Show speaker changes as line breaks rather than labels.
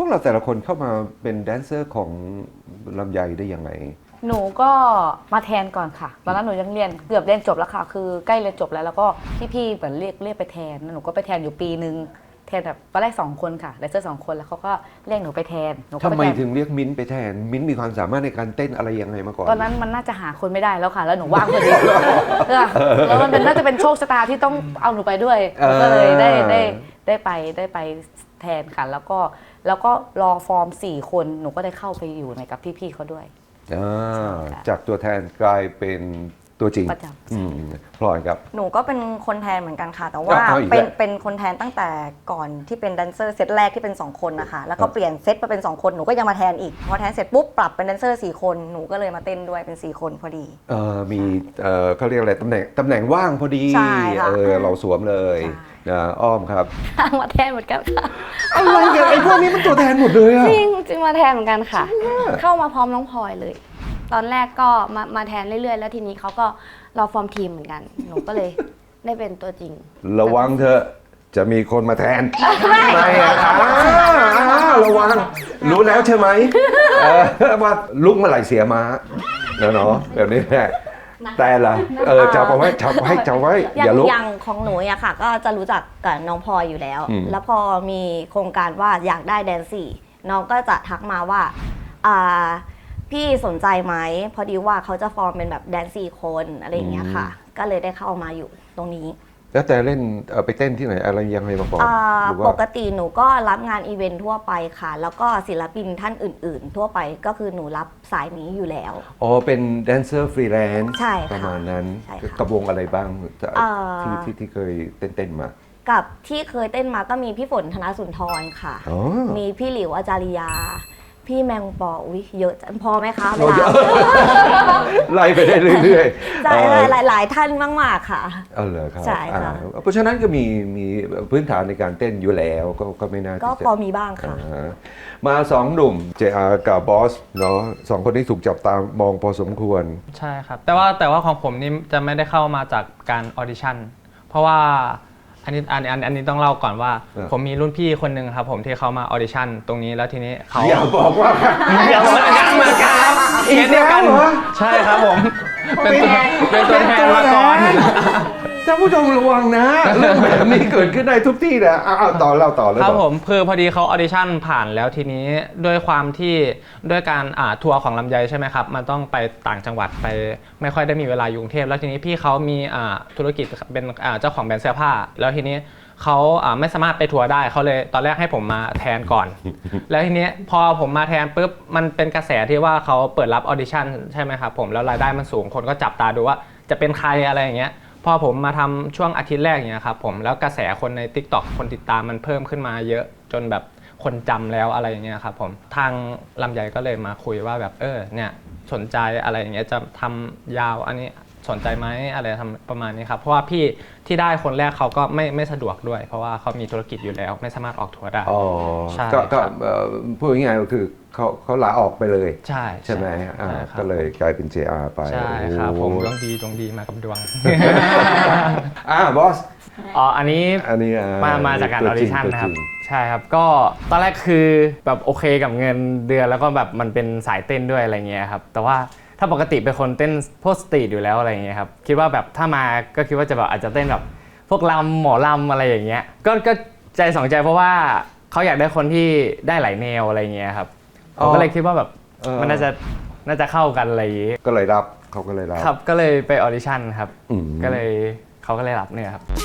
วกเราแต่ละคนเข้ามาเป็นแดนเซอร์ของลำไยได้ยังไง
หนูก็มาแทนก่อนค่ะตอนนั้นหนูยังเรียนเกือบเรียนจบแล้วค่ะคือใกล้เรียนจบแล้วก็พี่ๆเหมือนเรียกไปแทนหนูก็ไปแทนอยู่ปีนึงแทนแบบตอนแรก2 คนค่ะแดนเซอร์2 คนแล้วเขาก็เรียกหนูไปแทน
ทำไมถึงเรียกมิ้นไปแทนมิ้นมีความสามารถในการเต้นอะไรยังไงมาก่อน
ตอนนั้นมันน่าจะหาคนไม่ได้แล้วค่ะแล้วหนูว่างพอดีแล้วมันน่าจะเป็นโชคชะตาที่ต้องเอาหนูไปด้วยก็เลยได้ไปแทนค่ะแล้วก็รอฟอร์ม4 คนหนูก็ได้เข้าไปอยู่ในกับพี่ๆเขาด้วย
จากตัวแทนกลายเป็นตัวจริง
ประจ
พลอยครับ
หนูก็เป็นคนแทนเหมือนกันค่ะแต่ว่าเป็นคนแทนตั้งแต่ก่อนที่เป็นแดนเซอร์เซตแรกที่เป็น2 คนนะคะแล้วก็เปลี่ยนเซตมาเป็น2 คนหนูก็ยังมาแทนอีกพอแทนเสร็จปุ๊บปรับเป็นแดนเซอร์4 คนหนูก็เลยมาเต้นด้วยเป็น4 คนพอดี
มีเขาเรียกอะไรตำแหน่งว่างพอดีเราสวมเลยอ้อมครับ
มาแทนเหมือนกันค่ะ
อะไรกันไอ้พวกนี้มันตัวแทนหมดเลยอะ
จริงมาแทนเหมือนกันค่ะเข้ามาพร้อมน้องพลอยเลยตอนแรกก็มาแทนเรื่อยๆแล้วทีนี้เขาก็รอฟอร์มทีมเหมือนกันหนูก็เลยได้เป็นตัวจริง
ระวังเถอะจะมีคนมาแทนไม่ระวังรู้แล้วใช่ไหมว่าลุกเมื่อไหร่เสียม้าเนาะแบบนี้แหละแต่ละจับเอาไว้อย่าลุก
อย่างของหนูอะค่ะก็จะรู้จักกับน้องพลอยอยู่แล้วแล้วพอมีโครงการว่าอยากได้แดนซี่น้องก็จะทักมาว่าพี่สนใจไหมพอดีว่าเขาจะฟอร์มเป็นแบบแดนซี่คนอะไรอย่างเงี้ยค่ะก็เลยได้เข้ามาอยู่ตรงนี้
แล้วแต่เล่นไปเต้นที่ไหนอะไรยังไงมาก่อน
ปกติหนูก็รับงานอีเวนท์ทั่วไปค่ะแล้วก็ศิลปินท่านอื่นๆทั่วไปก็คือหนูรับสายนี้อยู่แล้ว
เป็นแดนเซอร์ฟรีแลนซ์
ใช่
ประมาณนั้นกับวงอะไรบ้างที่เคยเต้นมา
กับที่เคยเต้นมาก็มีพี่ฝนธนสุนทรค่ะมีพี่หลิวอาจาริยาพี่แมงปออุ๊ยเยอะพอไหมคะเวลา
ไล่ไปได้เรื่อย
ๆใช่หลายท่านมากๆค่ะ
เหรอครับ
ใช่ค่ะ
เพราะฉะนั้นก็มีพื้นฐานในการเต้นอยู่แล้วก็ไม่น่า
ก็พอมีบ้างค่ะ
มา2 หนุ่ม JR กับบอสเนาะ2 คนที่ถูกจับตามองพอสมควร
ใช่ครับแต่ว่าของผมนี่จะไม่ได้เข้ามาจากการออดิชั่นเพราะว่าอันนี้ต้องเล่าก่อนว่าผมมีรุ่นพี่คนหนึ่งครับผมที่เขามาออดิชั่นตรงนี้แล้วทีนี้เขา
อย่าบอกว่า
อย่าบอกกันเหมือนกันเคสเดียวกันใช่ครับผมเป็นตัวแทนมาก่อน
ท่านผู้ชมระวังนะเรื่องแบบนี้เกิดขึ้นได้ทุกที่นะต่อเลย
ครับผมคือพอดีเขาออดิชั่นผ่านแล้วทีนี้ด้วยความที่ด้วยการทัวร์ของลำไยใช่ไหมครับมันต้องไปต่างจังหวัดไปไม่ค่อยได้มีเวลาอยู่กรุงเทพแล้วทีนี้พี่เขามีธุรกิจเป็นเจ้าของแบรนด์เสื้อผ้าแล้วทีนี้เขาไม่สามารถไปทัวร์ได้เขาเลยตอนแรกให้ผมมาแทนก่อนแล้วทีนี้พอผมมาแทนปุ๊บมันเป็นกระแสที่ว่าเขาเปิดรับออดิชั่นใช่ไหมครับผมแล้วรายได้มันสูงคนก็จับตาดูว่าจะเป็นใครอะไรอย่างเงี้ยพอผมมาทำช่วงอาทิตย์แรกอย่างเงี้ยครับผมแล้วกระแสคนใน TikTok คนติดตามมันเพิ่มขึ้นมาเยอะจนแบบคนจำแล้วอะไรอย่างเงี้ยครับผมทางลำไยก็เลยมาคุยว่าแบบเนี่ยสนใจอะไรอย่างเงี้ยจะทำยาวอันนี้สนใจไหมอะไรทำประมาณนี้ครับเพราะว่าพี่ที่ได้คนแรกเขาก็ไม่สะดวกด้วยเพราะว่าเขามีธุรกิจอยู่แล้วไม่สามารถออกทัวร์ได้
ใช่ก็พูดง่ายๆก็คือเขาลาออกไปเลยใช่ไหมก็เลยกลายเป็น JR ไป
ใช่ครับผมดวงดีมากับดวง
บอส
อันนี้มาจากการออดิชั่นนะครับใช่ครับก็ตอนแรกคือแบบโอเคกับเงินเดือนแล้วก็แบบมันเป็นสายเต้นด้วยอะไรเงี้ยครับแต่ว่าถ้าปกติเป็นคนเต้นพวกสตรีทอยู่แล้วอะไรเงี้ยครับคิดว่าแบบถ้ามาก็คิดว่าจะแบบอาจจะเต้นแบบพวกหมอลำอะไรอย่างเงี้ยก็ใจสองใจเพราะว่าเขาอยากได้คนที่ได้หลายแนวอะไรเงี้ยครับผมก็เลยคิดว่าแบบมันน่าจะเข้ากันอะไรอย่างงี้
ก็เลยรับเขาก็เลยรับ
ครับก็เลยไปออดิชั่นครับก็เลยเขาก็เลยรับเนี่ยครับ